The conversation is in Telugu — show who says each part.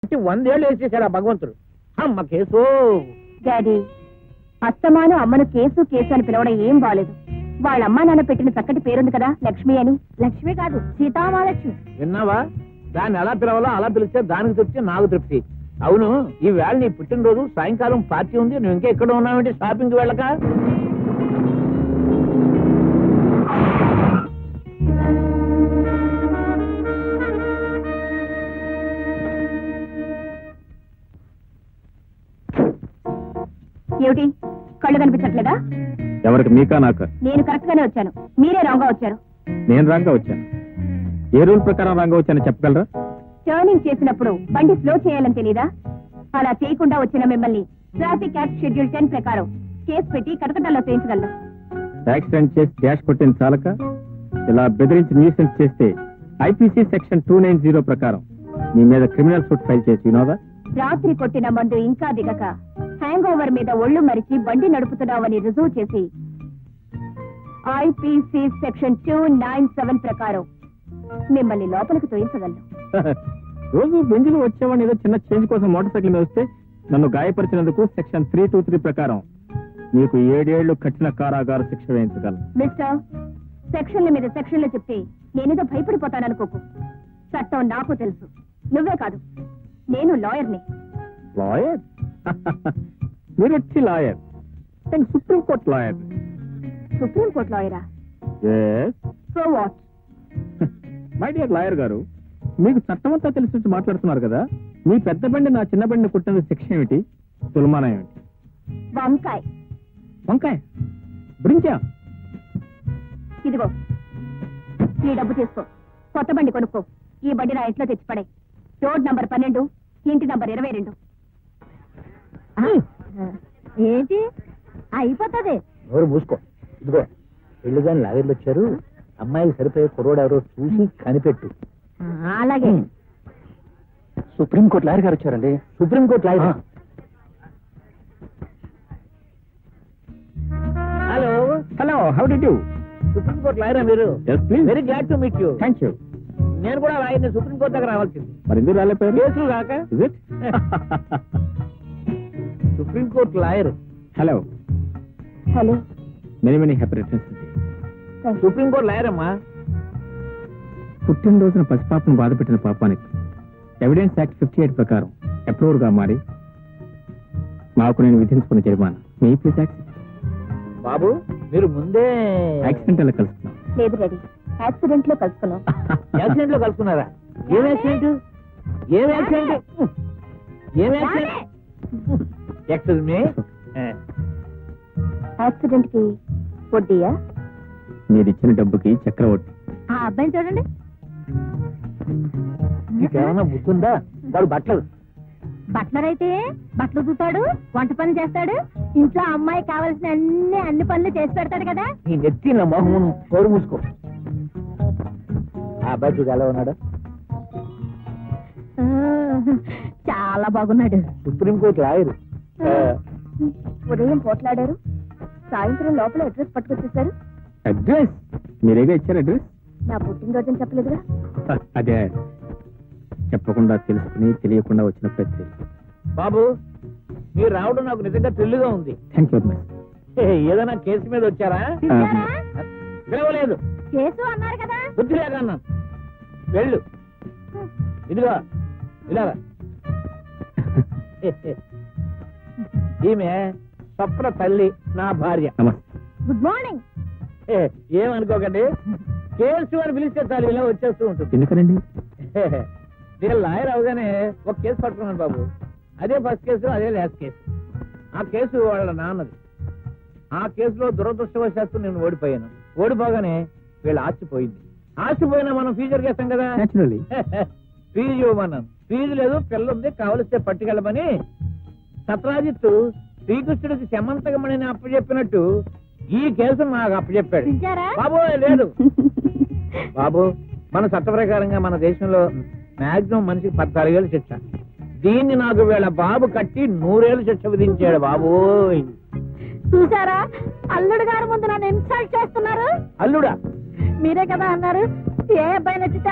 Speaker 1: 100 ఏళ్ళు వేసేసాడు ఆ భగవంతుడు. అమ్మ కేసు.
Speaker 2: డాడీ, అస్తమాను అమ్మను కేసు కేసు అని పిలవడం ఏం బాలేదు. వాళ్ళ అమ్మా నాన్న పెట్టిన చక్కటి పేరుంది కదా, లక్ష్మి అని. లక్ష్మి కాదు, సీతామహాలక్ష్మి.
Speaker 1: విన్నావా? దాన్ని ఎలా పిలవాలో అలా పిలిస్తే దానికి తృప్తి, నాకు తృప్తి. అవును, ఈ వేళ నీ పుట్టినరోజు, సాయంకాలం పార్టీ ఉంది, నువ్వు ఇంకా ఎక్కడ ఉన్నావంటే షాపింగ్కి వెళ్ళక.
Speaker 2: ఏమిటి, కళ్ళు కనిపించట్లేదా?
Speaker 3: ఎవరికి, మీకా నాకా?
Speaker 2: నేను కరెక్ట్ గానే వచ్చాను, మీరే రాంగ్ గా వచ్చారు.
Speaker 3: నేను రాంగా వచ్చాను. ఏ రూల్ ప్రకారం రాంగా వచ్చానో చెప్పగలరా?
Speaker 2: టర్నింగ్ చేసినప్పుడు బండి స్లో చేయాలని తెలీదా? అలా చేయకుండా వచ్చిన మిమ్మల్ని ట్రాఫిక్ యాక్ట్ షెడ్యూల్ 10 ప్రకారం కేసు పెట్టి కటకటాల్లో చేయించగలను.
Speaker 3: యాక్సిడెంట్ చేసి డాష్ కొట్టిన చాలక ఇలా బెదిరించి న్యూసెన్స్ చేస్తే ఐపీసీ సెక్షన్ 290 ప్రకారం మీ మీద క్రిమినల్ సూట్ ఫైల్ చేసి వినోదా?
Speaker 2: రాత్రి కొట్టిన మందు ఇంకా దిగక హ్యాంగ్ ఓవర్ మీద ఒళ్ళు మరిచి బండి నడుపుతున్నావని రుజువు చేసి ఐపీసీ సెక్షన్ 297 ప్రకారం మిమ్మల్ని లోపలికి తోయించగలను.
Speaker 3: రోజు బెంజులు వచ్చేవాడిని ఏదో చిన్న చేంజ్ కోసం మోటార్ సైకిల్ మీద వస్తే నన్ను గాయపరిచినందుకు సెక్షన్ 323 ప్రకారం మీకు 7 ఏళ్లు కఠిన కారాగార శిక్ష వేయించగలను.
Speaker 2: మిస్టర్, సెక్షన్ల మీద సెక్షన్లు చెప్తే నేనేదో భయపడిపోతాననుకోకు. చట్టం నాకు తెలుసు, నువ్వే కాదు, నేను లాయర్ని.
Speaker 3: లాయర్? మీరు వచ్చి లాయర్? నేను సుప్రీంకోర్టు లాయర్.
Speaker 2: సుప్రీంకోర్టు లాయరా? So what?
Speaker 3: My dear lawyer గారు, మీకు చట్టం అంతా తెలిసి మాట్లాడుతున్నారు కదా. మీ పెద్ద బండి నా చిన్న బండిని కుట్టిన శిక్ష ఏమిటి, తులమానం ఏమిటి?
Speaker 2: వంకాయ్.
Speaker 3: వంకాయ? బ్రింజా?
Speaker 2: ఇదిగో, ఈ డబ్బు తీసుకో, కొత్త బండి కొనుక్కో. ఈ బండి నా ఇంట్లో తెచ్చిపడే. రోడ్ నంబర్ 12, ఇంటి నంబర్ 22. ఏంటి అయిపోతుంది?
Speaker 1: ఎవరు మూసుకో. ఇదిగో, పెళ్లి గాని లాగర్లు వచ్చారు, అమ్మాయికి సరిపోయే కుర్రోడు ఎవరో చూసి కనిపెట్టు.
Speaker 2: అలాగే.
Speaker 1: సుప్రీంకోర్టు లాయర్ గారు వచ్చారండి. Supreme court lawyer. Hello
Speaker 3: hello, how did you?
Speaker 1: Supreme court లాయరా మీరు?
Speaker 3: Yes, please.
Speaker 1: Very glad to meet you.
Speaker 3: Thank you.
Speaker 1: నేను కూడా లాయర్ని, సుప్రీంకోర్టు దగ్గర రావాల్సింది.
Speaker 3: మరి ఎందుకు రాలేపోయారు?
Speaker 1: కేసులు కాక.
Speaker 3: Is it?
Speaker 1: Supreme court lawyer.
Speaker 3: Hello,
Speaker 2: hello.
Speaker 3: Many many happy returns.
Speaker 1: Supreme court lawyer అమ్మా.
Speaker 3: పుట్టినరోజున పసిపాపను బాధపెట్టిన పాపానికి ఎవిడెన్స్ యాక్ట్ 58 ప్రకారం అప్రూవర్ గా మారి మాకు నేను విధించుకున్న జరిమానా మీ ప్లీజ్ యాక్సెప్ట్.
Speaker 1: బాబు, మీరు ముందే
Speaker 3: యాక్సిడెంట్ అలా కలుస్తున్నాం.
Speaker 2: లేదు డాడీ, యాక్సిడెంట్ లో కలుసుకున్నాం.
Speaker 1: యాక్సిడెంట్ లో కలుసుకున్నారా? ఏం యాక్సిడెంట్? ఏం యాక్సిడెంట్? ఏం యాక్సిడెంట్? Excuse me.
Speaker 2: యాక్సిడెంట్ కి వడ్డీయా?
Speaker 3: మీరు ఇచ్చిన డబ్బుకి చక్రవడ్డీ.
Speaker 2: ఆ అబ్బాయిని చూడండి.
Speaker 1: మీకేమన్నా బుద్ధుందా? వాడు బట్టలు
Speaker 2: బట్లర్ అయితే బట్టలు చూతాడు, వంట పనులు చేస్తాడు, ఇంట్లో అమ్మాయి కావాల్సిన అన్ని పనులు చేసి పెడతాడు కదా.
Speaker 1: నీ నెత్తి నా మొహం కోరు మూసుకో. ఆ అబ్బాయి చూడు ఎలా ఉన్నాడు.
Speaker 2: చాలా బాగున్నాడు.
Speaker 1: Supreme court lawyer.
Speaker 2: ఉదయం పోట్లాడారు, సాయంత్రం లోపల అడ్రస్ పట్టుకొచ్చేసారు.
Speaker 3: అడ్రస్ మీరేగా ఇచ్చారు అడ్రస్?
Speaker 2: నా పుట్టినరోజు చెప్పలేదుగా.
Speaker 3: అదే చెప్పకుండా తెలుసుకుని తెలియకుండా వచ్చిన ప్రతి.
Speaker 1: బాబు, మీరు రావడం నాకు నిజంగా థ్రిల్గా ఉంది.
Speaker 3: Thank you.
Speaker 1: ఏదైనా కేసు మీద వచ్చారా? పిలవలేదు.
Speaker 2: కేసు అన్నారు కదా.
Speaker 1: బుద్ధి లేకన్నా. వెళ్ళు. ఇదిగో ఇలాగా. ఈమె స్వప్న తల్లి, నా భార్య.
Speaker 3: నమస్తే.
Speaker 2: Good morning.
Speaker 1: ఏమనుకోకండి, కేసు అని పిలిస్తే చాలు ఇలా వచ్చేస్తూ ఉంటుంది.
Speaker 3: ఎందుకనండి?
Speaker 1: నేను లాయర్ అవగానే ఒక కేసు పట్టుకున్నాను బాబు. అదే ఫస్ట్ కేసు, అదే లాస్ట్ కేసు. ఆ కేసు వాళ్ళ నాన్నది. ఆ కేసులో దురదృష్టవశాత్తు నేను ఓడిపోయాను. ఓడిపోగానే వీళ్ళ ఆస్తిపోయింది. ఆస్తిపోయినా మనం ఫ్యూచర్ చేస్తాం కదా.
Speaker 3: Naturally.
Speaker 1: ఫీజు ఇవ్వమన్నాను. ఫీజు లేదు, పిల్ల ఉంది, కావలిస్తే పట్టుకెళ్ళమని సత్రాజిత్తు శ్రీకృష్ణుడికి శమంతకమణిని అప్పచెప్పినట్టు ఈ కేసు నాకు అప్పచెప్పాడు. బాబు లేదు బాబు, మన చట్ట ప్రకారంగా మన దేశంలో మాక్సిమం మనిషికి 14 ఏళ్ళు శిక్ష. దీన్ని నాకు వీళ్ళ బాబు కట్టి 100 ఏళ్ళు శిక్ష విధించాడు. బాబు
Speaker 2: చూసారా, అల్లుడు గారి ముందు నన్ను ఇన్సల్ట్ చేస్తున్నారు.
Speaker 1: అల్లుడా?
Speaker 2: మీరే కదా అన్నారు ఏ అబ్బాయి నచ్చితే